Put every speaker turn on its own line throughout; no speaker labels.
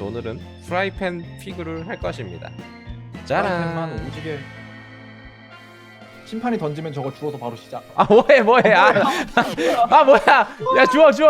그래서 오늘은 프라이팬 피그를 할 것입니다.
프라이팬만
짜란.
오지게. 심판이 던지면 저거 주워서 바로 시작.
아 뭐해 아 뭐야 야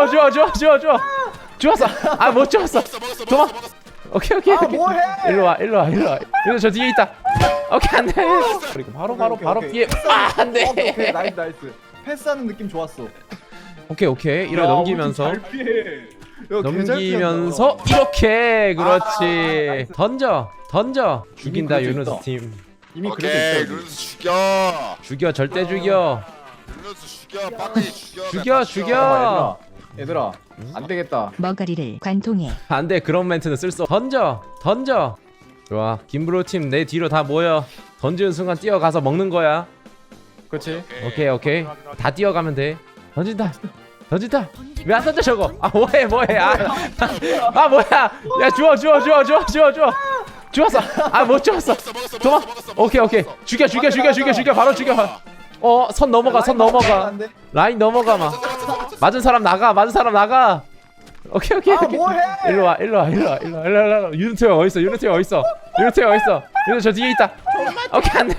주웠어. 아 못 주웠어. 도망. 오케이
아 뭐해?
일로 와 저 뒤에 있다. 오케이 안돼. 그리고 바로
오케이.
피해. 아 안돼.
오케이 나이스. 패스하는 느낌 좋았어.
오케이 이렇게
야,
넘기면서
우리 팀 잘 피해. 야, 개잘
넘기면서
피한다.
이렇게 그렇지.
나이스.
던져 죽인다
그럴 수
유누스
있다.
팀.
이미
오케이
그래도 있어.
루스 죽여.
죽여 절대 죽여.
루스 죽여. 빠르게 죽여.
죽여.
얘들아 안 되겠다.
머가리를 관통해
안돼 그런 멘트는 쓸 수. 던져. 좋아 김브로 팀 내 뒤로 다 모여. 던지는 순간 뛰어가서 먹는 거야.
그렇지.
오케이 다 뛰어가면 돼. 던진다 왜 안 던져 저거. 아 뭐해 아 뭐야 야 주워 주웠어. 아 못 주웠어. 도망. 오케이 죽여 바로 죽여. 선 넘어가
안 돼.
라인 넘어가. 마 맞은 사람 나가. 오케이
아 뭐해?
일로 와 유니트 형 어딨어 유니트 저 뒤에 있다. 오케이 안돼.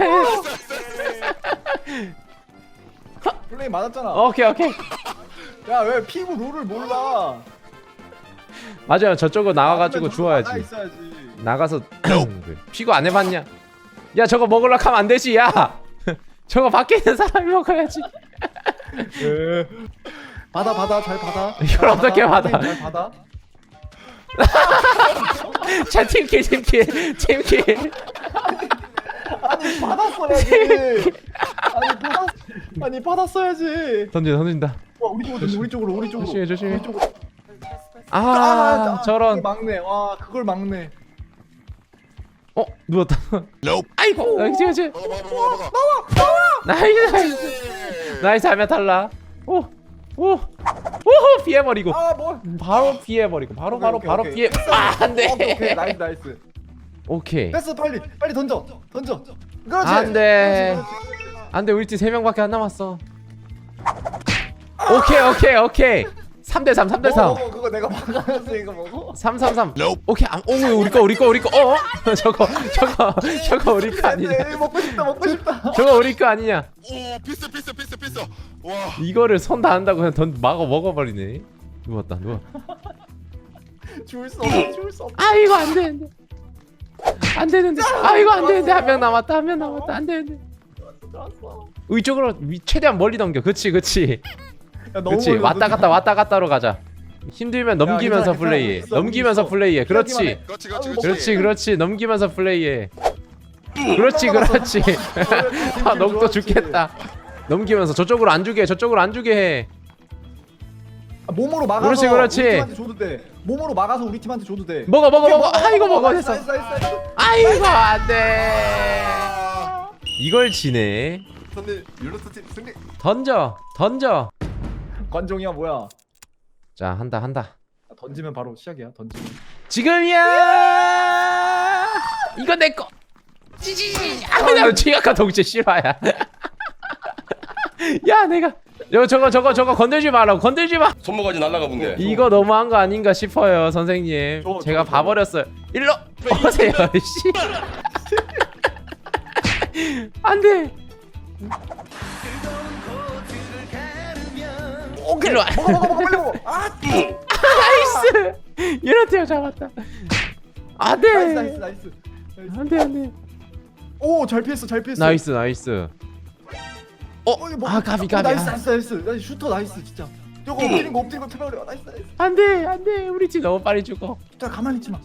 플레이 맞았잖아.
오케이
야 왜 피부 룰을 몰라?
맞아요 저쪽으로 나가가지고
나가
주워야지.
있어야지.
나가서 피고 안 해봤냐? 야 저거 먹으려 하면 안 되지. 야 저거 밖에 있는 사람이 먹어야지.
받아 잘 받아.
이걸 어떻게 받아?
잘 받아.
자 팀킬
아니 받았어야지. 아니 받았어야지.
던진다.
와 우리 쪽으로.
조심해.
우리 쪽으로.
저런.
그걸 막네. 와 그걸 막네.
누웠다.
Nope.
아이고 그렇지.
먹어.
나이스 하면 탈락. 오 피해버리고
아 뭐?
바로 피해버리고 바로
오케이.
피해. 아 안돼.
오케이 나이스.
오케이
패스 빨리 던져. 그렇지.
안돼.
그렇지.
안돼 우리 팀 3명밖에 안 남았어. 오케이 3대3
먹어 그거 내가 막았으니까 먹어.
3
Nope.
오케이 오 우리 거 저거 우리 거 아니냐.
먹고 싶다.
저거 우리 거 아니냐.
오 피스. 와.
이거를 손 닿는다고 그냥 먹어버리네. 누워.
죽을 수 없어.
아 이거 안 되는데. 아 이거 안 되는데. 한 명 남았다. 안 되는데.
좋았어.
이쪽으로 최대한 멀리 넘겨. 그렇지.
야, 너무
그렇지.
멀리
왔다
던져.
갔다로 가자. 힘들면 넘기면서
괜찮아,
플레이해.
있어,
넘기면서
있어.
플레이해. 그렇지.
그렇지.
넘기면서 플레이해. 그렇지. 아 녹도 죽겠다. 넘기면서 저쪽으로 안 주게 해.
아, 몸으로 막아서
그렇지.
우리 팀한테 줘도 돼. 몸으로 막아서 우리 팀한테 줘도 돼.
먹어. 아 이거 먹어
나이스,
됐어.
나이스.
아이고 안돼. 이걸 지네.
선배 율로스 팀 승리.
던져.
관종이야 뭐야?
자 한다.
던지면 바로 시작이야. 던지면.
지금이야. 이거 내 거. 나 지각한 동체 실화야. 야 내가 저거 건들지 마.
손모가지 날라가 본데.
이거 너무한 거 아닌가 싶어요 선생님. 제가
저.
봐버렸어요. 일로 오세요. 씨. 안돼.
오케이.
일로 와.
먹어 빨리 먹어. 아
나이스. 유나티어 잡았다. 안돼.
나이스.
안돼.
오잘 피했어.
나이스.
이거 뭐-
가비.
나이스. 슈터 나이스 진짜. 저거 엎드린 거 태버려. 나이스.
안돼. 우리 팀 너무 빨리 죽어.
자 가만히 있지 마.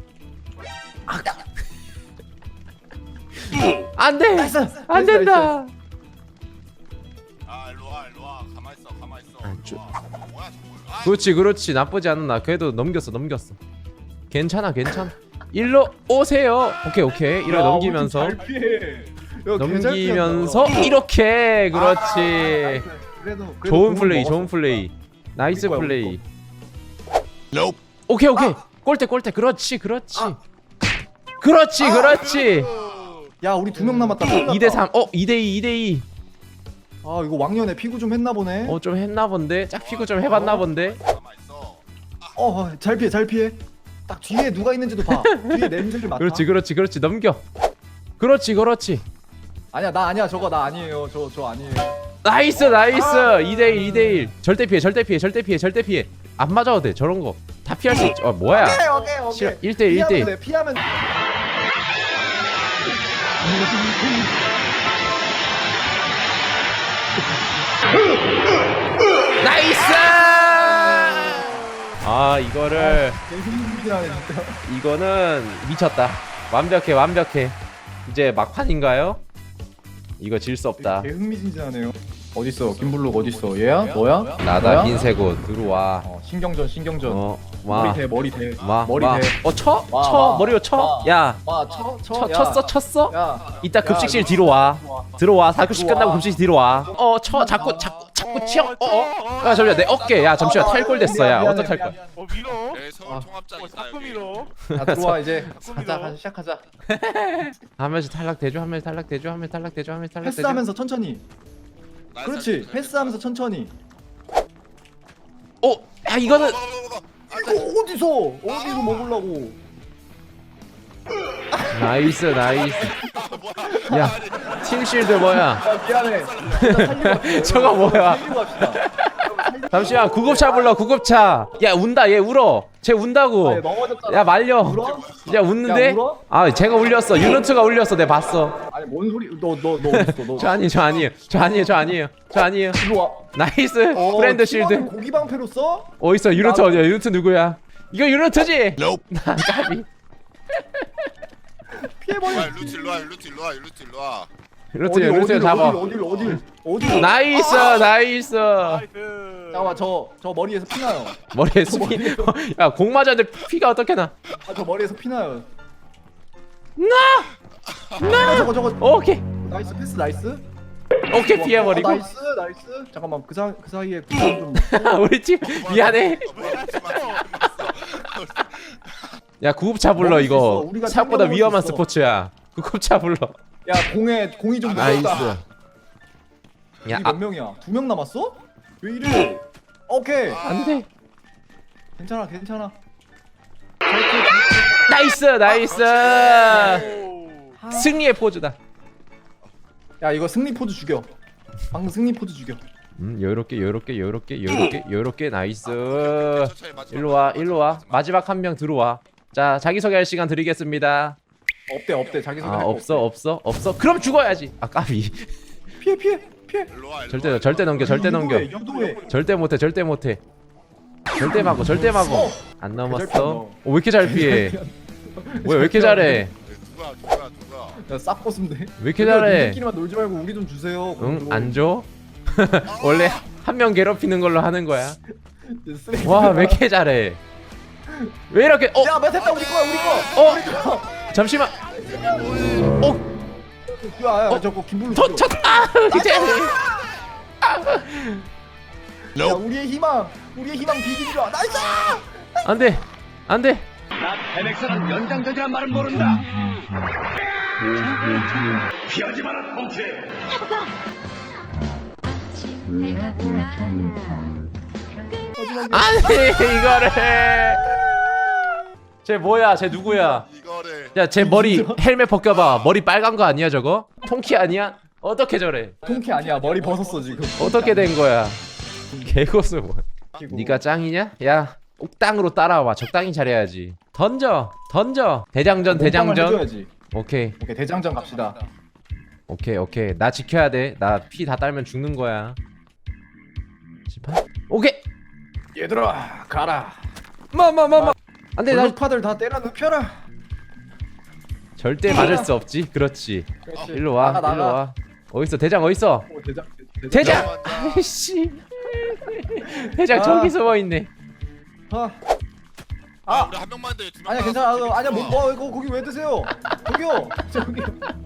안돼.
나이스.
안 된다.
아 일로 와. 가만 있어.
아,
뭐야 저거.
그렇지. 나쁘지 않나. 그래도 넘겼어. 괜찮아. 일로 오세요. 오케이. 이렇게 넘기면서
잘 피해. 야,
넘기면서
개잘 피한다.
이렇게 그렇지.
나이스. 그래도
좋은
공은
플레이.
먹었어.
좋은 플레이. 나이스
우리 거야,
플레이.
Nope.
오케이. 골대. 그렇지. 그렇지.
야 우리 2명 남았다.
2대3. 2대2.
아 이거 왕년에 피구 좀 했나 보네.
좀 했나 본데. 짝피고 좀 해봤나 본데.
가만 있어.
잘 피해. 딱 뒤에 누가 있는지도 봐. 뒤에 냄새를 맡아.
그렇지 넘겨. 그렇지.
아니야 나 아니야 저거 나 아니에요. 저 아니에요.
나이스 2대1 절대 피해. 안 맞아도 돼. 저런 거 다 피할 수 있지. 뭐야?
오케이.
싫어. 1대1
피하면
나이스! 아 이거를
개승진하네 진짜.
이거는 미쳤다. 완벽해. 이제 막판인가요? 이거 질 수 없다.
개흥미진진하네요. 어딨어 김블룩 어딨어? 얘야? 너야?
나다
너야?
흰색옷 들어와.
신경전.
와.
머리 대.
와.
머리 대.
쳐?
와,
쳐
와.
머리로 쳐?
와.
야.
와
쳤어?
야.
이따
야,
급식실
너
뒤로 와. 들어와.
들어와.
4급식 끝나고 급식실 뒤로 와. 자꾸 치어. 야 잠시만 내 어깨. 야 잠시만 탈골됐어. 야
미안해,
어떡할 거야?
밀어.
네, 서울 총합장 있다
자꾸
여기.
밀어.
야 들어와 이제. 가자 시작하자.
한 명씩 탈락되죠.
패스하면서 천천히. 그렇지. 패스하면서 천천히.
야 이거는
이거 어디서 먹으려고?
나이스. 야 팀실드 뭐야?
야 미안해.
저거 뭐야?
살리고 갑시다.
잠시만 구급차 불러 구급차. 야 운다 얘 울어. 쟤 운다고.
아, 넘어졌잖아.
야 말려.
울어?
야 웃는데?
야, 울어?
아 제가 울렸어. 유니트가 울렸어. 내가 봤어.
아니 뭔 소리? 너 어딨어? 너.
저 아니에요.
일로 와.
나이스. 프렌드 실드.
고기 방패로 써?
어딨어? 유니트 어디야? 유니트 누구야? 이거 유니트지?
Nope.
나 까비.
피해버려.
루트 일로 와.
유니트 잡아.
어디로?
나이스.
나이스.
잠깐만 저 머리에서 피나요.
머리에 스피. 야 공 맞았는데 피가 어떻게 나?
저 머리에서 피나요.
나.
저거.
오케이.
나이스 패스 나이스.
오케이 피해버리고.
나이스. 잠깐만 그 사이에 구성 좀.
우리 팀 미안해. 야 구급차 불러
먹을 수 있어.
이거.
우리가
생각보다
챙겨 먹을
위험한
수 있어.
스포츠야. 구급차 불러.
야 공이 좀
나이스.
무섭다.
야
몇 명이야? 2명 남았어? 왜 이래? 오케이.
안돼.
괜찮아.
나이스. 승리의 포즈다.
야 이거 승리 포즈 죽여. 방금 승리 포즈 죽여.
요렇게 나이스. 일로 와. 마지막 한 명 들어와. 자 자기 소개할 시간 드리겠습니다.
없대 자기 소개.
아 없어. 그럼 죽어야지. 아 까비.
피해.
일로 와.
절대 넘겨.
유도해.
절대 못해. 절대 막어. 안 넘었어. 왜 이렇게 잘 피해? 뭐야 왜 이렇게 잘해?
누가?
야싹 벗으면 돼.
왜 이렇게 잘해?
우리끼리만 놀지 말고 우리 좀 주세요.
응? 안 줘? 원래 한 명 괴롭히는 걸로 하는 거야.
쓰레기.
와 왜 이렇게 잘해? 왜 이렇게?
야 됐다 우리 거.
잠시만.
야 저거 김블루.
이제
야 우리의 희망 비긴다. 나이스.
안돼. 안돼 이거를. 쟤 뭐야? 쟤 누구야?
이거를
야 쟤 머리 헬멧 벗겨봐. 머리 빨간 거 아니야 저거? 통키 아니야? 어떻게 저래?
통키 아니야. 머리 벗었어 지금.
어떻게 된 거야? 개고수 뭐? 네가 짱이냐? 야 옥당으로 따라와. 적당히 잘해야지. 던져. 대장전.
해줘야지.
오케이
대장전 갑시다.
오케이 나 지켜야 돼. 나 피 다 딸면 죽는 거야. 심판? 오케이.
얘들아 가라.
안돼 나
블루파들 다 때려 눕혀라.
절대 맞을 수 없지. 그렇지. 일로 와.
나가.
어딨어 대장 어딨어? 대장. 아이씨. 대장 저기 숨어 있네.
아
우리 한 명만 돼. 두
아니야
명만
괜찮아.
남았어.
아니야 이거 거기 왜 드세요? 저기요.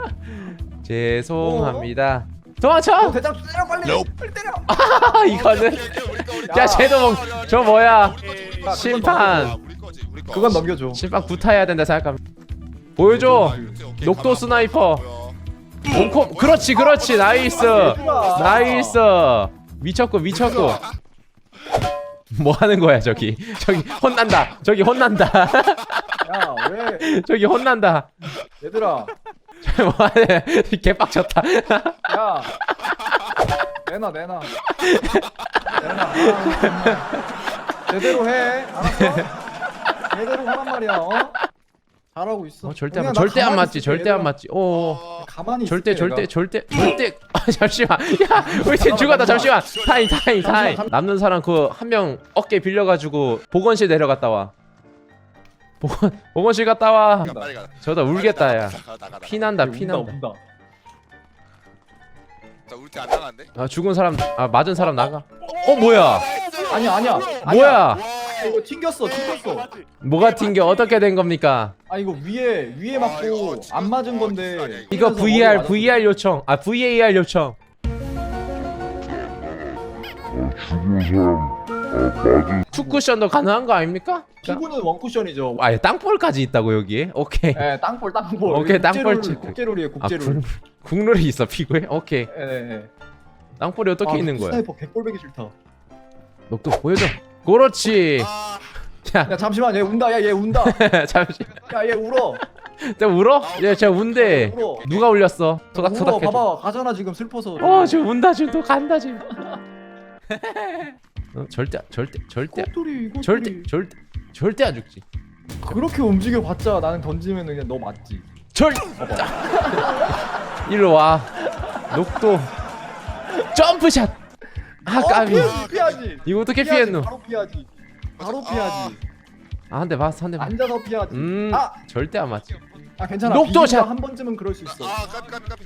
죄송합니다. 도망쳐.
대장 때려 빨리.
Nope.
빨리 때려.
이거는.
우리
야 쟤도 저 뭐야?
야,
심판.
우리 거.
그건 넘겨줘.
심판 구타해야 된다 생각합니다. 보여줘. 녹도 스나이퍼. 몸콤. 그렇지. 나이스. 미쳤고. 뭐 하는 거야 저기 혼난다.
야 왜?
저기 혼난다.
얘들아.
뭐하네. 개빡쳤다.
야. 내놔. 내놔. 아, 정말. 제대로 해. 알았어? 제대로 하란 말이야. 어? 잘하고 있어.
절대
그냥
안,
나
절대 안
가만히
맞지.
있을게,
절대 안
얘들아.
맞지. 오.
가만히
절대
있을게,
절대
내가.
절대. 아 잠시만. 야 우리 팀 죽었다. 잠시만. 타임.
잠시만.
남는 사람 그 한 명 어깨 빌려가지고 보건실 내려갔다 와. 보건실 갔다 와.
빨리 가.
저다 울겠다 야.
나가.
피난다
운다,
피난다.
운다.
자 우리 팀안 나간대.
아 죽은 사람 아 맞은 사람 나가. 뭐야?
아니야.
뭐야?
이거 튕겼어.
뭐가 튕겨? 어떻게 된 겁니까?
아 이거 위에 맞고
이거
안 맞은 건데.
이거
튕겨서 머리 맞았어.
VAR 요청. 아 VAR 요청. 투쿠션도 가능한 거 아닙니까?
피구는 원쿠션이죠.
아예 땅볼까지 있다고 여기에? 오케이.
예, 땅볼.
오케이, 땅볼 체크.
국제룰이에요,
아
국제룰.
국룰이 있어 피구에? 오케이.
예.
땅볼이 어떻게 있는 거야?
스나이퍼 개꼴배기 싫다.
녹도 보여줘. 그렇지.
아,
야 잠시만, 얘 운다. 야 얘 운다.
잠시.
야 얘 울어.
쟤 울어? 얘 쟤 운대.
울어.
누가 울렸어? 토닥토닥
울어.
해줘.
봐봐, 가잖아 지금 슬퍼서.
지금 운다 지금 또 간다 지금. 절대
꼬투리 이거.
절대 안 죽지.
그렇게 움직여 봤자 나는 던지면 그냥 너 맞지.
일로 와. 녹도 점프샷. 아 까비.
피하지.
이거 어떻게 피했노?
바로 피하지.
아 한 대 맞았어 한 대. 맞았어.
앉아서 피하지. 아,
절대 안 맞지.
괜찮아.
녹도샷!
비긴다, 한 번쯤은 그럴 수 있어.
까비.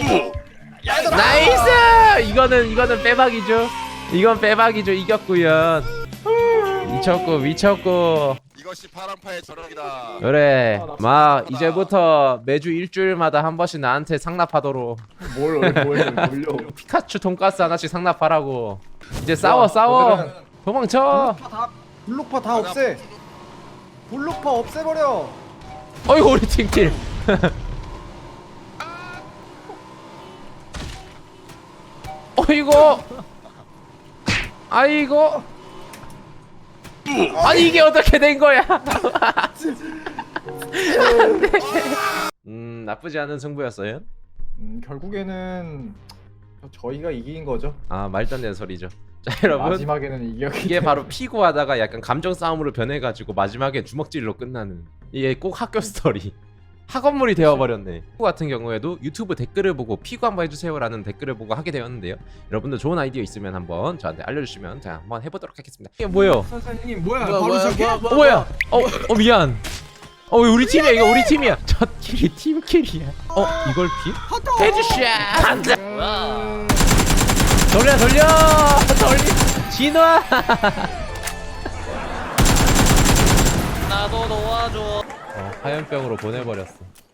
나이스! 이거는 빼박이죠. 이건 빼박이죠. 이겼구요. 미쳤고.
이것이 파란파의 저력이다.
그래.
나
막
진짜
이제부터 매주 일주일마다 한 번씩 나한테 상납하도록.
뭘 올려.
피카츄 돈가스 하나씩 상납하라고. 이제 싸워. 도망쳐.
블록파 다 없애. 블록파 없애버려.
어이구 우리 팀킬. 어이구. 아이고. 아니 이게 어떻게 된 거야? 나쁘지 않은 승부였어요.
결국에는 저희가 이긴 거죠.
아 말도 안 되는 소리죠. 자 여러분
마지막에는 이겼기
이게 바로 피구하다가 약간 감정 싸움으로 변해가지고 마지막에 주먹질로 끝나는 이게 꼭 학교 스토리. 학원물이 되어버렸네. 피구 같은 경우에도 유튜브 댓글을 보고 피구 한번 해주세요라는 댓글을 보고 하게 되었는데요. 여러분들 좋은 아이디어 있으면 한번 저한테 알려주시면 제가 한번 해보도록 하겠습니다. 이게 뭐예요?
선생님 뭐야 바로 시작해?
뭐야? 미안. 왜 우리 팀이야? 이거 우리 팀이야. 저 킬이 팀킬이야. 이걸 피? 헤드샷. 간다. 돌려. 진화.
나도 도와줘.
화염병으로 보내버렸어.